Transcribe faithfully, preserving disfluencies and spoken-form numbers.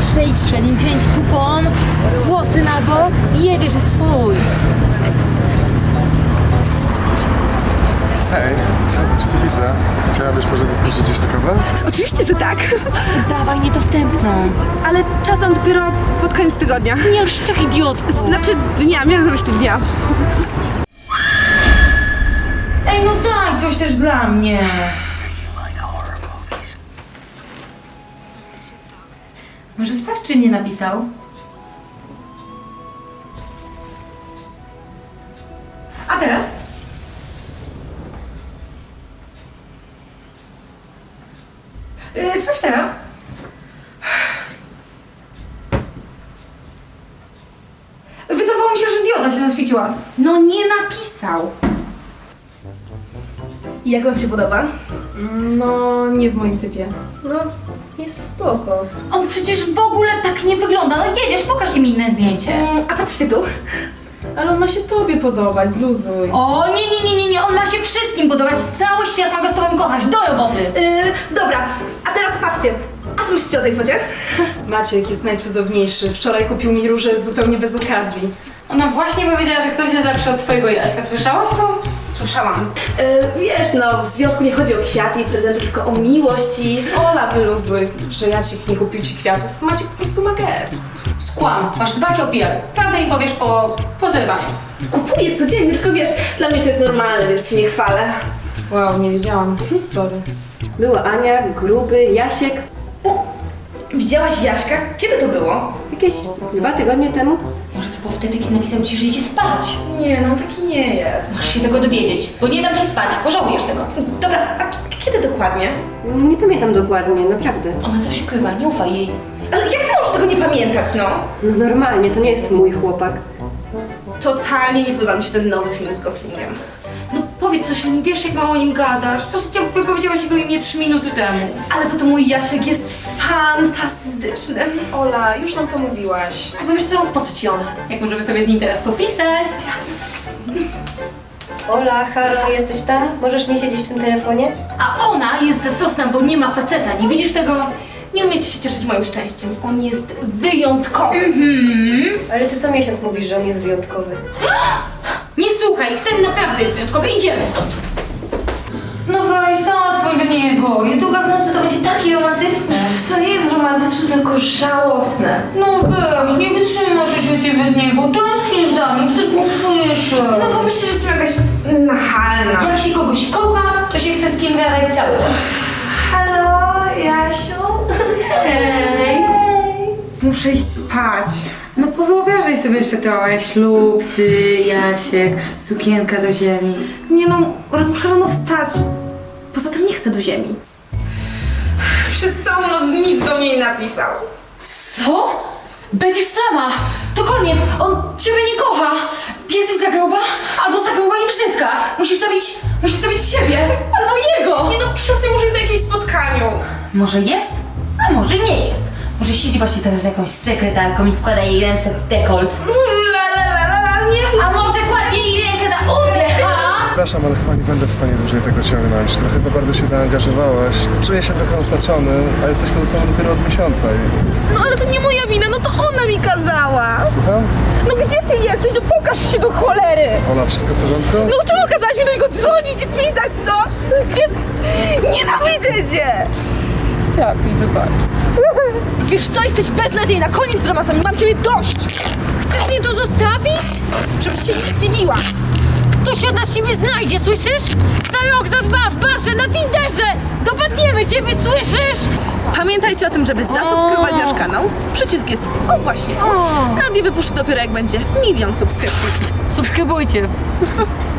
Przyjdź przed nim, kręć pupą, włosy na bok i jedziesz, jest twój. Hej, czasem cię tu widzę. Chciałabyś może wyskoczyć gdzieś na kawę? Oczywiście, że tak. Dawaj niedostępną. Ale czasem dopiero pod koniec tygodnia. Nie, już tak idiotko. Znaczy dnia, miałam na myśli dnia. Ej, no daj coś też dla mnie. Może sprawdź, czy nie napisał? A teraz? Yy, sprawdź teraz. Wydawało mi się, że dioda się zaświeciła. No nie napisał. I jak wam się podoba? No, nie w moim typie. No, jest spoko. On przecież w ogóle tak nie wygląda. No jedziesz, pokaż im inne zdjęcie. Mm, a patrzcie tu. Ale on ma się tobie podobać, zluzuj. O, nie, nie, nie, nie, nie, on ma się wszystkim podobać. Cały świat ma go z tobą kochać. Do roboty. Yy, dobra, a teraz patrzcie. A co myślicie o tej focie? Maciek jest najcudowniejszy. Wczoraj kupił mi róże zupełnie bez okazji. Ona właśnie powiedziała, że ktoś jest lepszy od twojego Jaśka. Słyszałaś to? Słyszałam. Yy, wiesz, no w związku nie chodzi o kwiaty i prezenty, tylko o miłość i... Ola, wyluzuj, że Jacek nie kupił ci kwiatów. Maciek po prostu ma gest. Skłam. Masz dbać o P R. Prawdę im powiesz po, po zerwaniu. Kupuję codziennie, tylko wiesz, dla mnie to jest normalne, więc się nie chwalę. Wow, nie wiedziałam. Sorry. Była Ania, Gruby, Jasiek. Widziałaś Jaśka? Kiedy to było? Jakieś dwa tygodnie temu. Może to było wtedy, kiedy napisał ci, że idzie spać. Nie, no taki nie jest. Masz się tego dowiedzieć, bo nie dam ci spać. Pożałujesz tego. Dobra, a k- kiedy dokładnie? Nie pamiętam dokładnie, naprawdę. Ona coś ukrywa, nie ufaj jej. Ale jak ty możesz tego nie pamiętać, no? No normalnie, to nie jest mój chłopak. Totalnie nie podoba mi się ten nowy film z Goslingiem. No powiedz coś o nim, wiesz jak mało o nim gadasz. Ostatnio wypowiedziałaś jego imię trzy minuty temu. Ale za to mój Jasiek jest fantastyczny. Ola, już nam to mówiłaś. A wiesz co, po co ci ona? Jak możemy sobie z nim teraz popisać? Ola, halo, jesteś tam? Możesz nie siedzieć w tym telefonie? A ona jest zazdrosna, bo nie ma faceta, nie widzisz tego? Nie umiecie się cieszyć moim szczęściem. On jest wyjątkowy. Ale ty co miesiąc mówisz, że on jest wyjątkowy. Nie słuchaj, ich, ten naprawdę jest wyjątkowy, idziemy stąd. No weź, zadzwoń do niego. Jest długa w nocy, to będzie takie romantyczne. To nie jest romantyczne, tylko żałosne. No weź, nie wytrzymasz życia bez niego. Tęsknisz za nim, chcesz go słyszeć. No bo myślę, że jestem jakaś nachalna. Jak się kogoś kocha, to się chce z kim gadać cały czas. Halo, Jasiu? Hej. Muszę iść spać. No powyobrażaj sobie jeszcze trochę. Ślub, ty, Jasiek, sukienka do ziemi. Nie no, ale muszę rano wstać. Poza tym nie chcę do ziemi. Przez całą noc nic do mnie nie napisał. Co? Będziesz sama! To koniec! On ciebie nie kocha! Jesteś za gruba, albo za gruba i brzydka! Musisz zabić, musisz zabić siebie, albo jego! Nie no, przestań, może jest na jakimś spotkaniu. Może jest, a może nie jest. Może siedzi właśnie teraz z jakąś sekretarką i wkłada jej ręce w dekolt. La la la la la, nie. A może kładzie jej ręce na udzie, ha? Przepraszam, ale chyba nie będę w stanie dłużej tego ciągnąć. Trochę za bardzo się zaangażowałaś. Czuję się trochę osaczony, a jesteśmy ze sobą dopiero od miesiąca i... No ale to nie moja wina, no to ona mi kazała. Słucham? No gdzie ty jesteś? No pokaż się do cholery. Ola, wszystko w porządku? No czemu kazałaś mi do niego dzwonić i pisać, co? Gdzie... Nienawidzę cię. Tak, mi wybacz. Wiesz co, jesteś beznadziejna, koniec z romansami, mam ciebie dość. Chcesz mnie tu zostawić? Żebyś się nie zdziwiła. To się od nas ciebie znajdzie, słyszysz? Za rok, za dwa, w barze, na Tinderze! Dopadniemy ciebie, słyszysz? Pamiętajcie o tym, żeby zasubskrybować nasz kanał. Przycisk jest, o właśnie, o. Nadie wypuszczy dopiero jak będzie milion subskrypcji. Subskrybujcie.